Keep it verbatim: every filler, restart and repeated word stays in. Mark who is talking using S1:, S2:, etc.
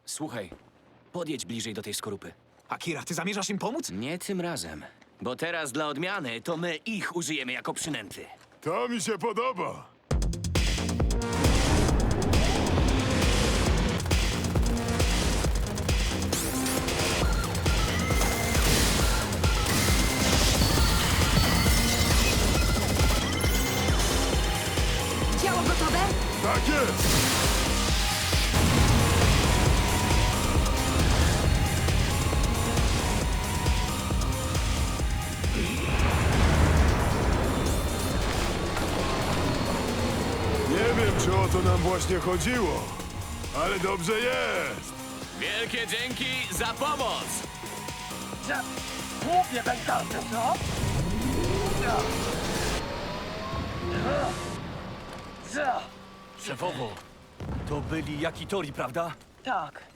S1: Słuchaj, podjedź bliżej do tej skorupy.
S2: Akira, ty zamierzasz im pomóc?
S1: Nie tym razem, bo teraz dla odmiany to my ich użyjemy jako przynęty.
S3: To mi się podoba.
S4: Działo gotowe?
S3: Tak jest! Nie wiem, czy o to nam właśnie chodziło, ale dobrze jest!
S1: Wielkie dzięki za pomoc!
S5: Głupie pękamy, co? Co?
S2: Szefowo, to byli Jakitori, prawda?
S5: Tak.